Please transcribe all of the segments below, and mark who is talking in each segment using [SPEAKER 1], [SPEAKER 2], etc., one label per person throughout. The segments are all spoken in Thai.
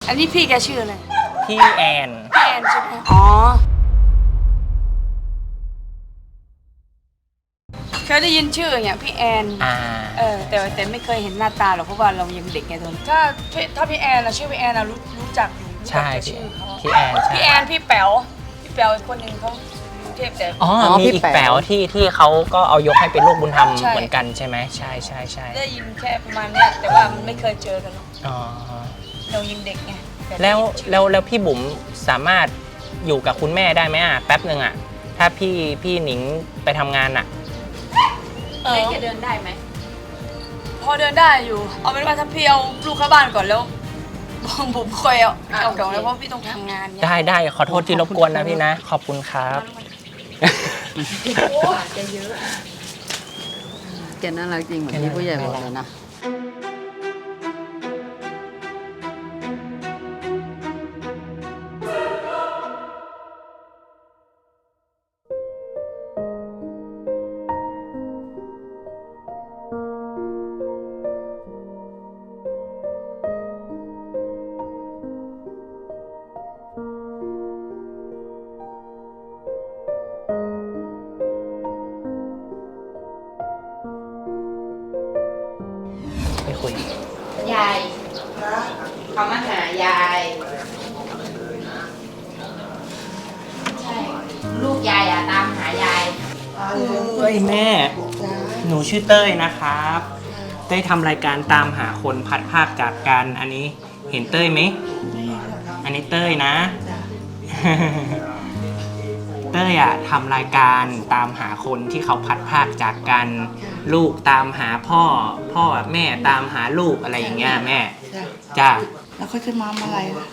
[SPEAKER 1] อันนี้พี่แกชื่ออะไร
[SPEAKER 2] พี่แอน
[SPEAKER 1] พี่แอนใช่ไหมอ๋อเคยได้ยินชื่ออย่างพี่แอนแต่ไม่เคยเห็นหน้าตาหรอกเพราะว่าเรายังเด็กไงตอนถ้าพี่แอนนะชื่อพี่แอนนะรู้จักอยู่
[SPEAKER 2] ใช่
[SPEAKER 1] ชื่อเขา
[SPEAKER 2] พี่แอนใช่
[SPEAKER 1] พี่แอนพี่แป๋วอีกคนหนึ่งเขาเทพแต่
[SPEAKER 2] มีอีกแป๋วที่เขาก็เอายกให้เป็นลูกบุญธรรมเหมือนกันใช่ไหมใช่
[SPEAKER 1] ได้ยินแค่ประมาณนี้แต่ว่ามันไม่เคยเจอกันหรอกเรายังเด็กไง
[SPEAKER 2] แล้วพี่บุ๋มสามารถอยู่กับคุณแม่ได้ไหมแป๊บหนึ่งถ้าพี่หนิงไปทำงาน
[SPEAKER 1] ไม่แกเดินได้ไหมพอเดินได้อยู่เอาเป็นว่าถ้าพี่เอาลูกเข้าบ้านก่อนแล้วผมคอยเอาก่อนแล้วเพราะพี่ต้องทำงาน
[SPEAKER 2] ได้ขอโทษที่รบกวนนะพี่นะขอบคุณครับ
[SPEAKER 3] แกเยอะแกน่ารักจริงเหมือนที่ผู้ใหญ่บอกเลยนะ
[SPEAKER 4] ยายเขามาหายายใช่ลูกยายตามหายาย
[SPEAKER 2] เฮ้ยแม่หนูชื่อเต้ยนะครับเต้ยทำรายการตามหาคนพัดภาคจากกันอันนี้เห็นเต้ยไหมอันนี้เต้ยนะเต้ยทำรายการตามหาคนที่เขาพัดภาคจากกันลูกตามหาพ่อแม่ตามหาลูกอะไรอย่างเงี้ยแม่จ้า
[SPEAKER 5] แล้วเขาจะมาเมื่อไหร่ล่ะ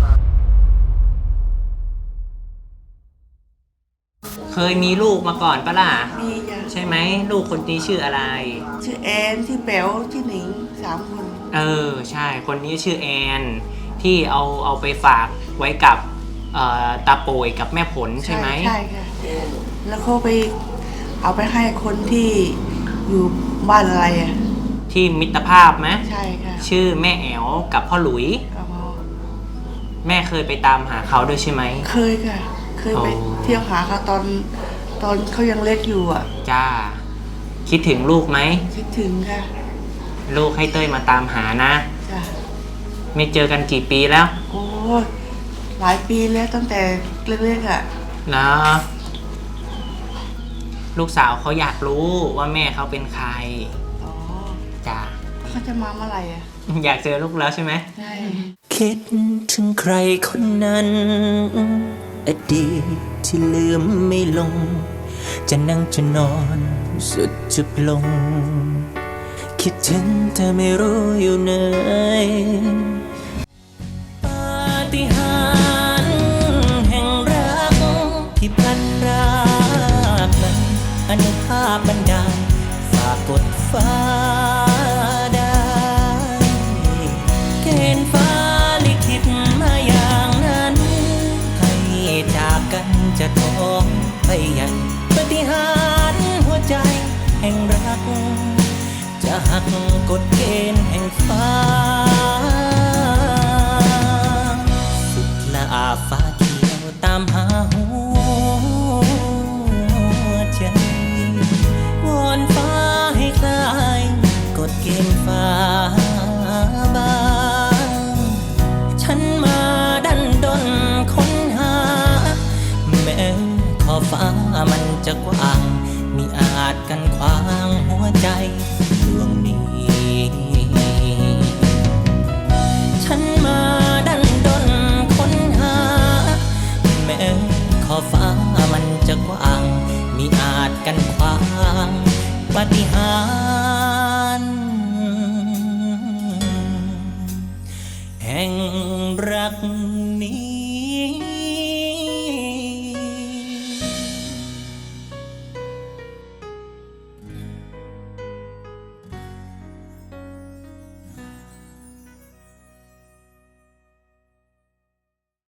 [SPEAKER 2] เคยมีลูกมาก่อนปะล่ะ
[SPEAKER 5] มีจ้ะ
[SPEAKER 2] ใช่ไหมลูกคนนี้ชื่ออะไร
[SPEAKER 5] ชื่อแอนชื่อแป๋วชื่อหนิง3 คน
[SPEAKER 2] ใช่คนนี้ชื่อแอนที่เอาไปฝากไว้กับตาโปยกับแม่ผลใช่ไหม
[SPEAKER 5] ใช่ค่ะแล้วเขาไปเอาไปให้คนที่อยู่บ้านอะไร
[SPEAKER 2] ที่มิตรภาพไหม
[SPEAKER 5] ใช่ค่ะ
[SPEAKER 2] ชื่อแม่แอ๋วกับพ่อหลุยแม่เคยไปตามหาเขาด้วยใช่ไหม
[SPEAKER 5] เคยค่ะเคยไปเที่ยวหาเขาตอนเขายังเล็กอยู่
[SPEAKER 2] จ้าคิดถึงลูกไหม
[SPEAKER 5] คิดถึงค่ะ
[SPEAKER 2] ลูกให้เต้ยมาตามหานะ
[SPEAKER 5] จ้ะ
[SPEAKER 2] ไม่เจอกันกี่ปีแล้ว
[SPEAKER 5] โอ้หลายปีแล้วตั้งแต่เล็กๆ
[SPEAKER 2] นะลูกสาวเขาอยากรู้ว่าแม่เขาเป็นใครจ้า
[SPEAKER 5] เขาจะมาเมื่อไหร่
[SPEAKER 2] อยากเจอลูกแล้วใช่ไหม
[SPEAKER 5] ใช่
[SPEAKER 2] คิดถึงใครคนนั้นอดีตที่ลืมไม่ลงจะนั่งจะนอนสุดจุดลงคิดถึงแต่ไม่รู้อยู่ไหนปาฏิหาริย์แห่งรักที่พลันรากนั้นอนุภาพบันดาลฝากกดฟ้าได้เกณฑ์ฟ้าลิขิตมาอย่างนั้นให้จากกันจะท้องไปยังปาฏิหาริย์หัวใจแห่งรักจะหักกฎเกณฑ์แห่งฟ้าสุดละอาฟ้าเขียวตามหาหัวใจวอนฟ้าให้คลายกฎเกณฑ์ฟ้าบางฉันมาดันดนค้นหาแม้ขอบฟ้ามันจะกว้างมิอาจกันขวางหัวใจดวงนี้ฉันมาดันดนค้นหาแม้ขอบฟ้ามันจะกว้างมิอาจกันขวางปาฏิหา